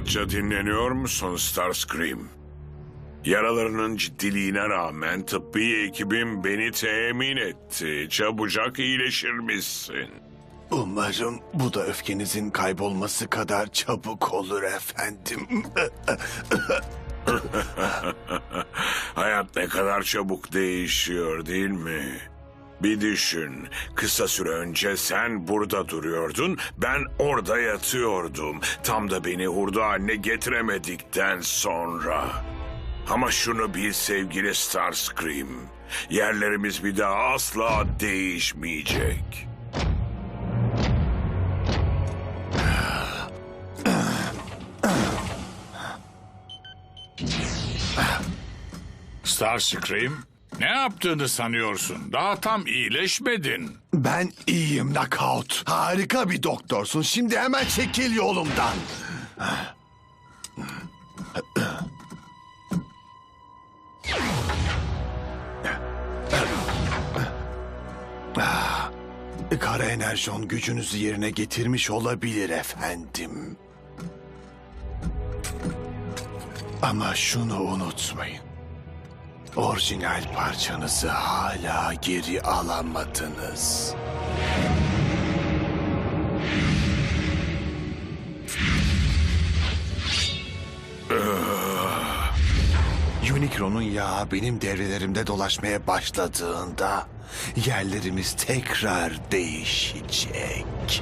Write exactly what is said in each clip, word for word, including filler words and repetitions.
Rahatça dinleniyor musun Starscream? Yaralarının ciddiliğine rağmen tıbbi ekibim beni temin etti. Çabucak iyileşirmişsin. Umarım bu da öfkenizin kaybolması kadar çabuk olur efendim. Hayat ne kadar çabuk değişiyor değil mi? Bir düşün, kısa süre önce sen burada duruyordun, ben orada yatıyordum. Tam da beni hurda haline getiremedikten sonra. Ama şunu bil sevgili Starscream, yerlerimiz bir daha asla değişmeyecek. Starscream, ne yaptığını sanıyorsun? Daha tam iyileşmedin. Ben iyiyim Knockout. Harika bir doktorsun. Şimdi hemen çekil yolumdan. Kara enerjon gücünüzü yerine getirmiş olabilir efendim. Ama şunu unutmayın. Orijinal parçanızı hala geri alamadınız. Unicron'un yağı benim devrelerimde dolaşmaya başladığında yerlerimiz tekrar değişecek.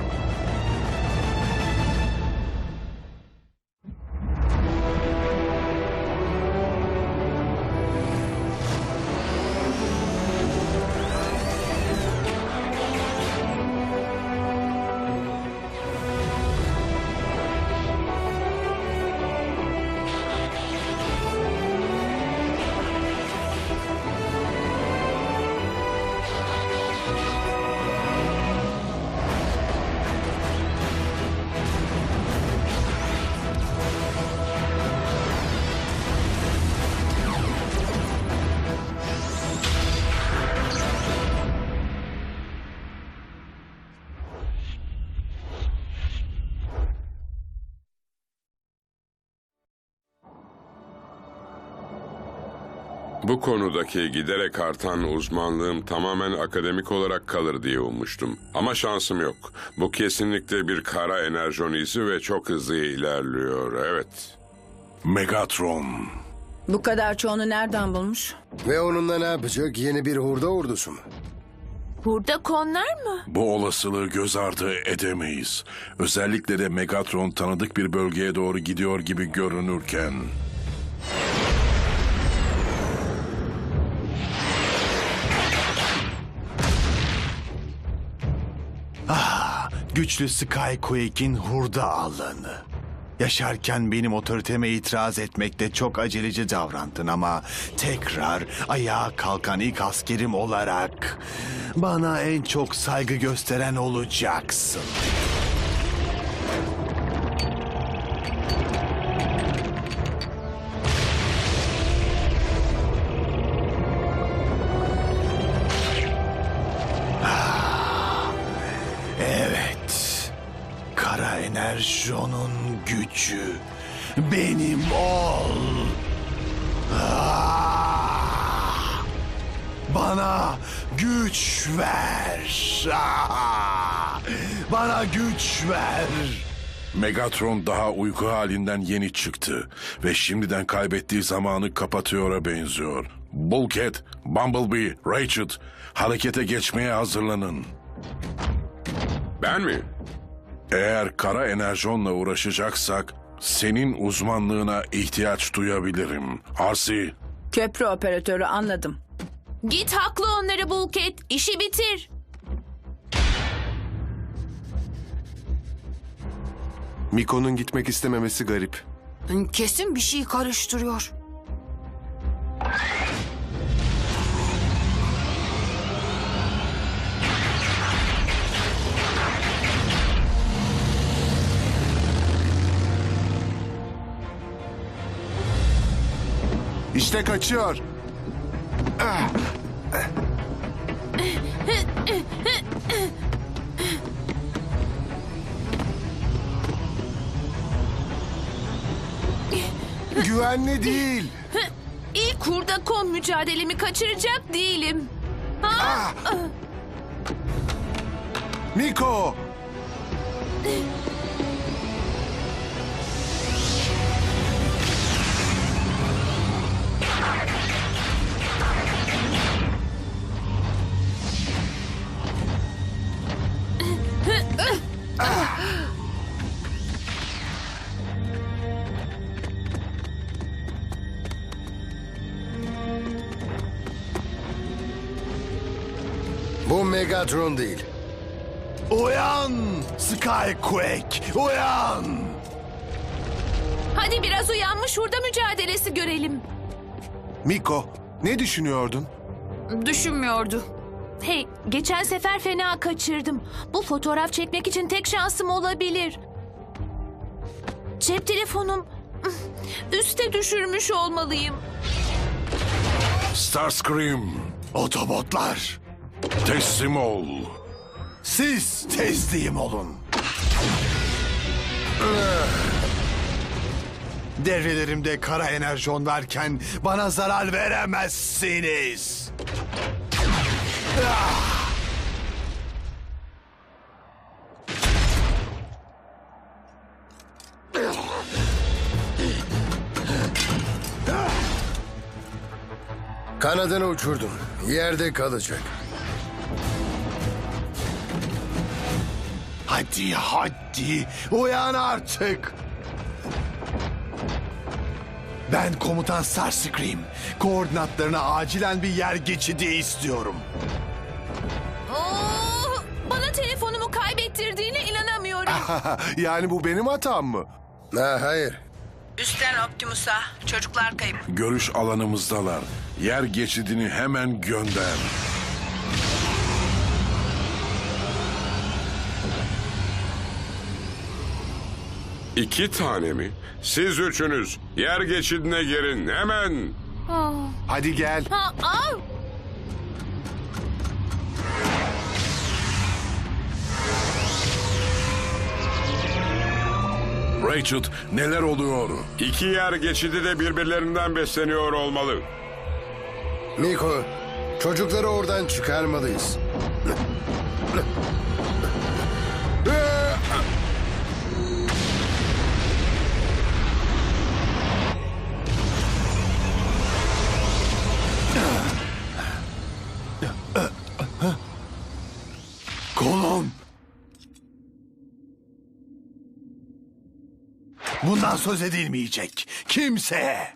Bu konudaki giderek artan uzmanlığım tamamen akademik olarak kalır diye ummuştum. Ama şansım yok. Bu kesinlikle bir kara enerjon izi ve çok hızlı ilerliyor, evet. Megatron. Bu kadar çoğunu nereden bulmuş? Ve onunla ne yapacak? Yeni bir hurda ordusu mu? Burada konlar mı? Bu olasılığı göz ardı edemeyiz. Özellikle de Megatron tanıdık bir bölgeye doğru gidiyor gibi görünürken. Ah, güçlü Skyquake'in hurda alanı. Yaşarken benim otoriteme itiraz etmekte çok aceleci davrandın ama tekrar ayağa kalkan ilk askerim olarak bana en çok saygı gösteren olacaksın. Kara enerjonun gücü benim ol. Ah! Bana güç ver. Ah! Bana güç ver. Megatron daha uyku halinden yeni çıktı ve şimdiden kaybettiği zamanı kapatıyor'a benziyor. Bulkhead, Bumblebee, Rachel, harekete geçmeye hazırlanın. Ben mi? Eğer kara enerjonla uğraşacaksak senin uzmanlığına ihtiyaç duyabilirim. Arsi. Köprü operatörü, anladım. Git haklı onları Bulkhead. İşi bitir. Miko'nun gitmek istememesi garip. Kesin bir şey karıştırıyor. İşte kaçıyor. Ah! Güvenli değil. İlk hurda kon mücadelemi kaçıracak değilim. Ha? Miko! Bu Megatron değil. Uyan Skyquake, uyan! Hadi biraz uyanmış hurda mücadelesi görelim. Miko, ne düşünüyordun? Düşünmüyordu. Hey, geçen sefer fena kaçırdım. Bu fotoğraf çekmek için tek şansım olabilir. Cep telefonum üste düşürmüş olmalıyım. Starscream, Otobotlar, teslim ol. siz teslim olun. Devrelerimde kara enerjon varken bana zarar veremezsiniz. Ah! Kanadını uçurdum. Yerde kalacak. Hadi hadi uyan artık. Ben komutan Starscream. Koordinatlarına acilen bir yer geçidi istiyorum. Oo, bana telefonumu kaybettirdiğine inanamıyorum. Yani bu benim hatam mı? Ha, hayır. Üstten Optimus'a. Çocuklar kayıp. Görüş alanımızdalar. Yer geçidini hemen gönder. İki tane mi? Siz üçünüz yer geçidine girin hemen. Hadi gel. Ha, aa! Rachel, neler oluyor? İki yer geçidi de birbirlerinden besleniyor olmalı. Miko, çocukları oradan çıkarmalıyız. Kolum. Bundan söz edilmeyecek. Kimseye.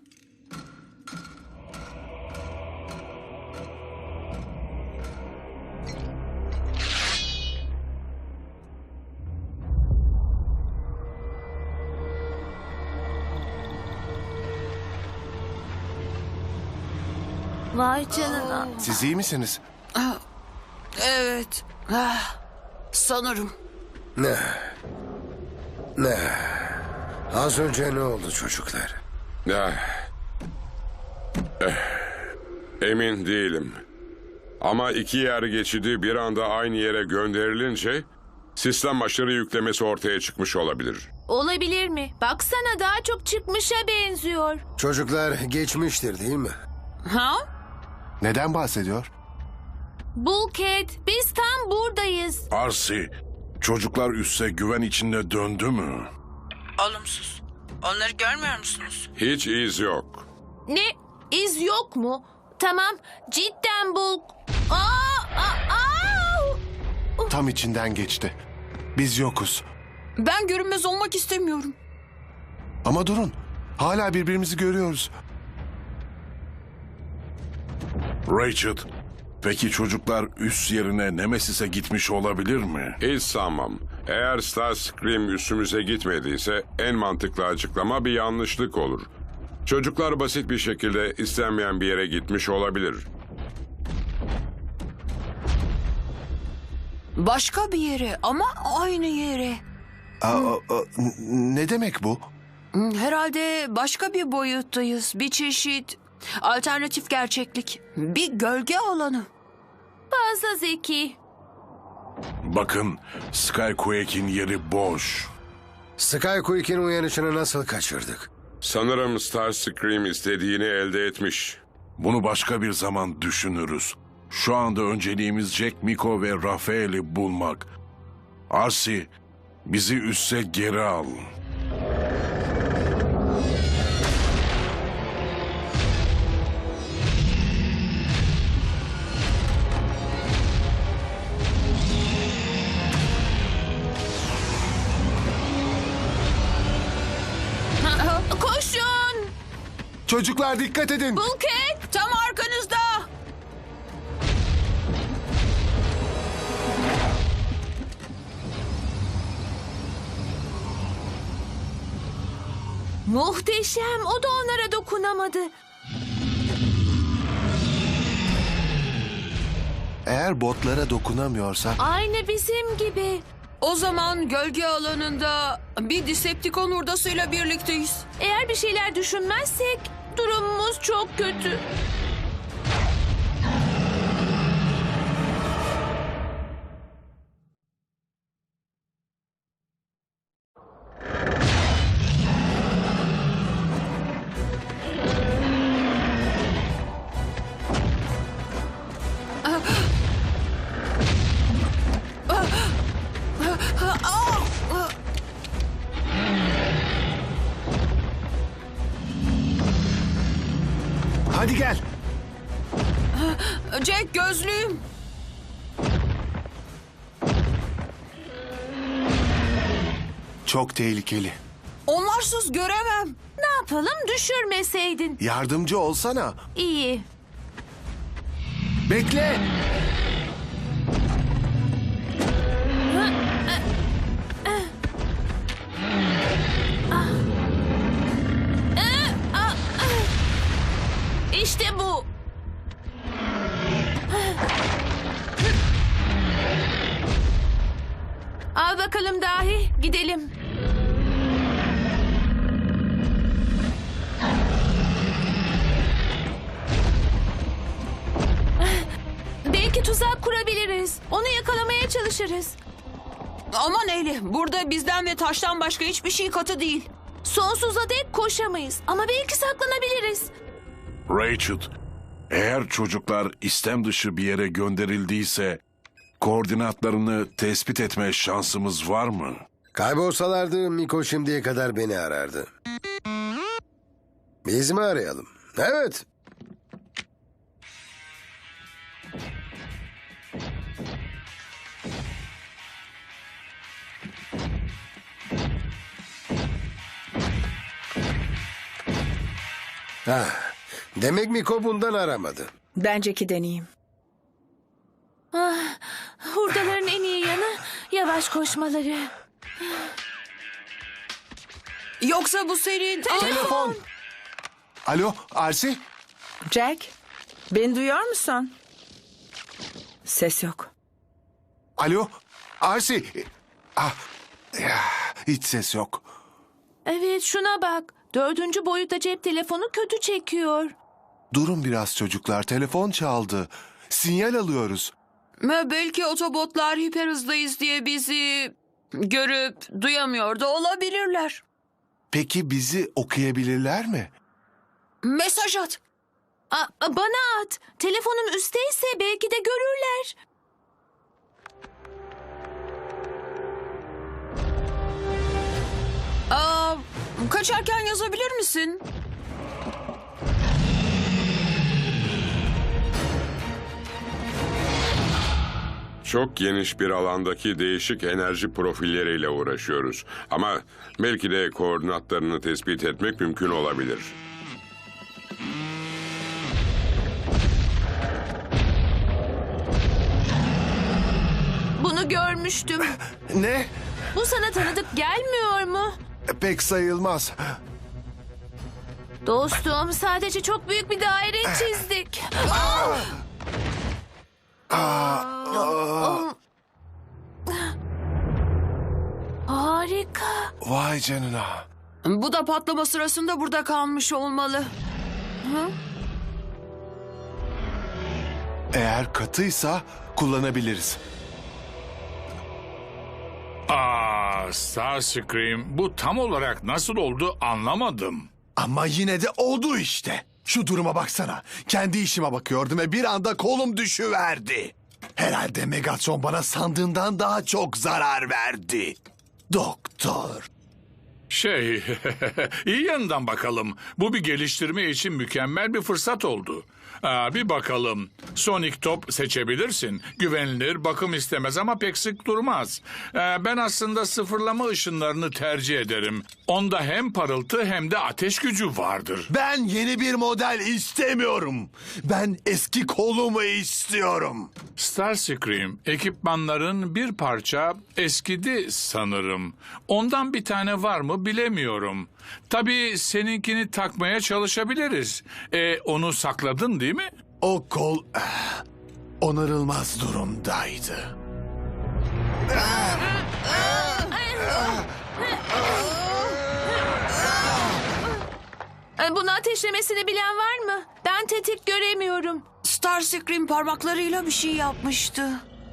Vay canına. Siz iyi misiniz? Evet. Ah, sanırım. Ne? Ne? Az önce ne oldu çocuklar? Ah. Eh. Emin değilim. Ama iki yer geçidi bir anda aynı yere gönderilince sistem aşırı yüklemesi ortaya çıkmış olabilir. Olabilir mi? Baksana daha çok çıkmışa benziyor. Çocuklar geçmiştir değil mi? Ha? Neden bahsediyor? Bulkhead, biz tam buradayız. Arsi, çocuklar üsse güven içinde döndü mü? Olumsuz. Onları görmüyor musunuz? Hiç iz yok. Ne? İz yok mu? Tamam, cidden Bulk. Aa, aa, aa! Tam içinden geçti. Biz yokuz. Ben görünmez olmak istemiyorum. Ama durun. Hala birbirimizi görüyoruz. Rachel, peki çocuklar üs yerine Nemesis'e gitmiş olabilir mi? Hiç sanmam. Eğer Starscream üstümüze gitmediyse en mantıklı açıklama bir yanlışlık olur. Çocuklar basit bir şekilde istenmeyen bir yere gitmiş olabilir. Başka bir yere ama aynı yere. Aa, aa, ne demek bu? Herhalde başka bir boyuttayız. Bir çeşit alternatif gerçeklik. Bir gölge alanı. Fazla zeki. Bakın, Skyquake'in yeri boş. Skyquake'in uyanışını nasıl kaçırdık? Sanırım Starscream istediğini elde etmiş. Bunu başka bir zaman düşünürüz. Şu anda önceliğimiz Jack, Miko ve Rafael'i bulmak. Arsi, bizi üsse geri al. Koşun! Çocuklar dikkat edin. Bulket! Tam arkanızda. Muhteşem. O da onlara dokunamadı. Eğer botlara dokunamıyorsa... Aynı bizim gibi. O zaman gölge alanında bir Decepticon hurdasıyla birlikteyiz. Eğer bir şeyler düşünmezsek durumumuz çok kötü. Hadi gel. Jack, gözlüğüm. Çok tehlikeli. Onlarsız göremem. Ne yapalım, düşürmeseydin. Yardımcı olsana. İyi. Bekle. İşte bu. Al bakalım dahi, gidelim. Belki tuzak kurabiliriz. Onu yakalamaya çalışırız. Aman Eli, burada bizden ve taştan başka hiçbir şey katı değil. Sonsuza dek koşamayız ama belki saklanabiliriz. Rachel, eğer çocuklar istem dışı bir yere gönderildiyse koordinatlarını tespit etme şansımız var mı? Kaybolsalardı Miko şimdiye kadar beni arardı. Biz mi arayalım? Evet. Ah, demek Miko bundan aramadı. Benceki deneyeyim. Ah, hurdaların en iyi yanı yavaş koşmaları. Yoksa bu senin... Telefon. Alo, Arsi? Jack, beni duyuyor musun? Ses yok. Alo, Arsi. Ah, ya, hiç ses yok. Evet, şuna bak. Dördüncü boyutta cep telefonu kötü çekiyor. Durun biraz çocuklar, telefon çaldı. Sinyal alıyoruz. Ve belki otobotlar hiper hızdayız diye bizi görüp duyamıyor da olabilirler. Peki bizi okuyabilirler mi? Mesaj at. A- a- bana at. Telefonum üstteyse belki de görürler. Aa, kaçarken yazabilir misin? Çok geniş bir alandaki değişik enerji profilleriyle uğraşıyoruz. Ama belki de koordinatlarını tespit etmek mümkün olabilir. Bunu görmüştüm. Ne? Bu sana tanıdık gelmiyor mu? Pek sayılmaz. Dostum, sadece çok büyük bir daire çizdik. Harika. Vay canına. Bu da patlama sırasında burada kalmış olmalı. Eğer katıysa kullanabiliriz. Aa, Starscream, bu tam olarak nasıl oldu anlamadım. Ama yine de oldu işte. Şu duruma baksana. Kendi işime bakıyordum ve bir anda kolum düşüverdi. Herhalde Megatron bana sandığından daha çok zarar verdi. Doktor. Şey, iyi yanından bakalım. Bu bir geliştirme için mükemmel bir fırsat oldu. Aa, bir bakalım. Sonic top seçebilirsin. Güvenilir, bakım istemez ama pek sık durmaz. Ee, ben aslında sıfırlama ışınlarını tercih ederim. Onda hem parıltı hem de ateş gücü vardır. Ben yeni bir model istemiyorum. Ben eski kolumu istiyorum. Starscream, ekipmanların bir parça eskidi sanırım. Ondan bir tane var mı bilemiyorum. Tabii seninkini takmaya çalışabiliriz. E, onu sakladın değil mi? O kol eh, onarılmaz durumdaydı. Ee, Bunu ateşlemesini bilen var mı? Ben tetik göremiyorum. Starscream parmaklarıyla bir şey yapmıştı.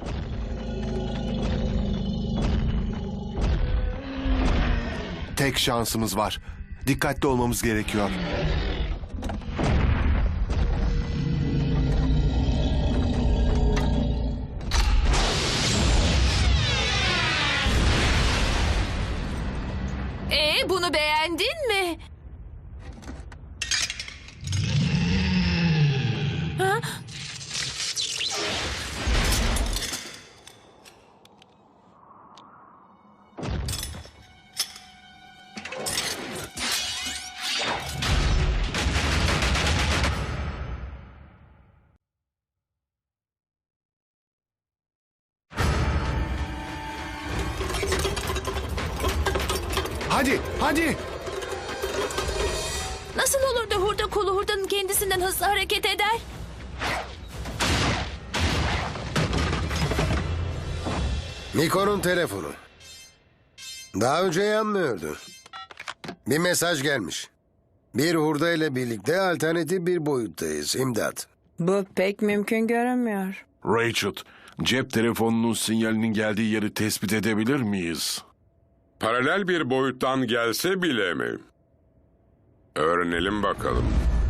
Tek şansımız var. Dikkatli olmamız gerekiyor. Ee, bunu beğendin mi? Ha? Hadi, hadi. Nasıl olur da hurda kolu hurdanın kendisinden hızlı hareket eder? Nikon'un telefonu. Daha önce yanmıyordu. Bir mesaj gelmiş. Bir hurda ile birlikte alternatif bir boyuttayız. İmdat. Bu pek mümkün görünmüyor. Rachel, cep telefonunun sinyalinin geldiği yeri tespit edebilir miyiz? Paralel bir boyuttan gelse bile mi? Öğrenelim bakalım.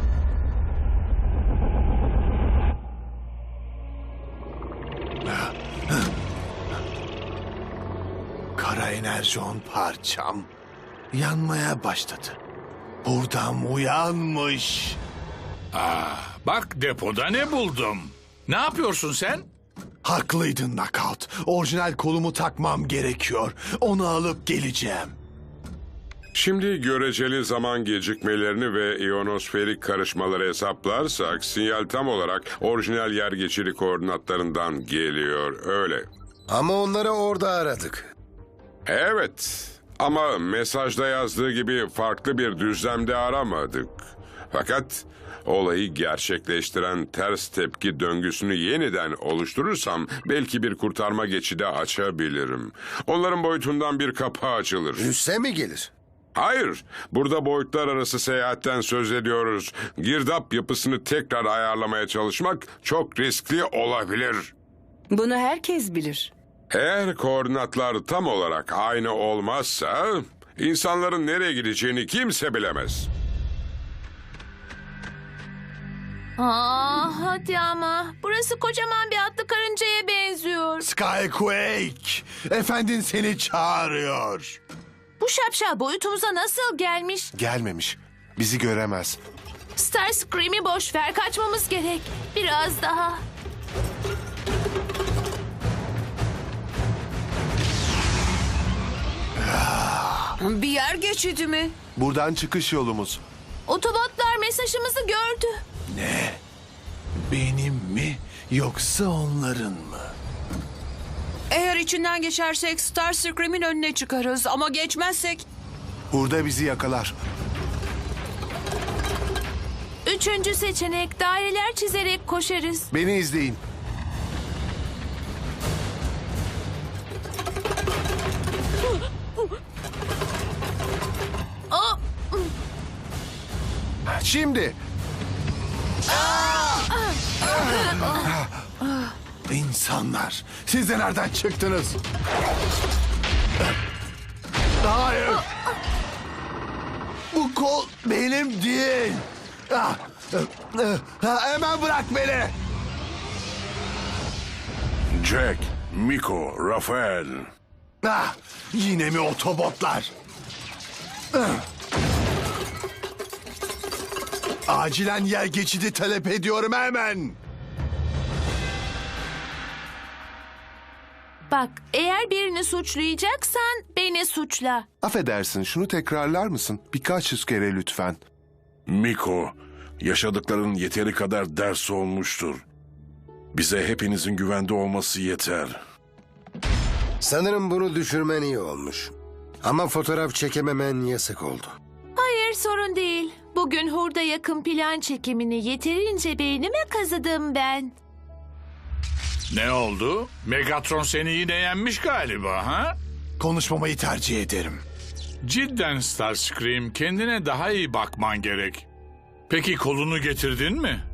Kara enerjon parçam yanmaya başladı. Hurdam uyanmış. Bak depoda ne buldum. Ne yapıyorsun sen? Haklıydın Knockout. Orijinal kolumu takmam gerekiyor. Onu alıp geleceğim. Şimdi göreceli zaman gecikmelerini ve iyonosferik karışmaları hesaplarsak sinyal tam olarak orijinal yer geçiri koordinatlarından geliyor, öyle. Ama onları orada aradık. Evet ama mesajda yazdığı gibi farklı bir düzlemde aramadık. Fakat olayı gerçekleştiren ters tepki döngüsünü yeniden oluşturursam belki bir kurtarma geçidi açabilirim. Onların boyutundan bir kapı açılır. Üsse mi gelir? Hayır, burada boyutlar arası seyahatten söz ediyoruz. Girdap yapısını tekrar ayarlamaya çalışmak çok riskli olabilir. Bunu herkes bilir. Eğer koordinatlar tam olarak aynı olmazsa insanların nereye gideceğini kimse bilemez. Aa, hadi ama. Burası kocaman bir atlı karıncaya benziyor. Skyquake, efendin seni çağırıyor. Bu şapşal boyutumuza nasıl gelmiş? Gelmemiş. Bizi göremez. Starscream'i boş ver, kaçmamız gerek. Biraz daha. Bir yer geçidi mi? Buradan çıkış yolumuz. Otobotlar mesajımızı gördü. Ne? Benim mi yoksa onların mı? Eğer içinden geçersek Starscream'in önüne çıkarız ama geçmezsek... Hurda bizi yakalar. Üçüncü seçenek, daireler çizerek koşarız. Beni izleyin. Aa, Şimdi. İnsanlar, siz de nereden çıktınız? Hayır. Bu kol benim değil. Ah, ah, ah, hemen bırak beni. Jack, Miko, Rafael. Ah, yine mi otobotlar? Ah. Acilen yer geçidi talep ediyorum hemen. Bak, eğer birini suçlayacaksan beni suçla. Affedersin, şunu tekrarlar mısın? Birkaç yüz kere lütfen. Miko, yaşadıkların yeteri kadar ders olmuştur. Bize hepinizin güvende olması yeter. Sanırım bunu düşürmen iyi olmuş. Ama fotoğraf çekememen yasak oldu. Hayır, sorun değil. Bugün hurda yakın plan çekimini yeterince beynime kazıdım ben. Ne oldu? Megatron seni yine yenmiş galiba ha? Konuşmamayı tercih ederim. Cidden Starscream, kendine daha iyi bakman gerek. Peki kolunu getirdin mi?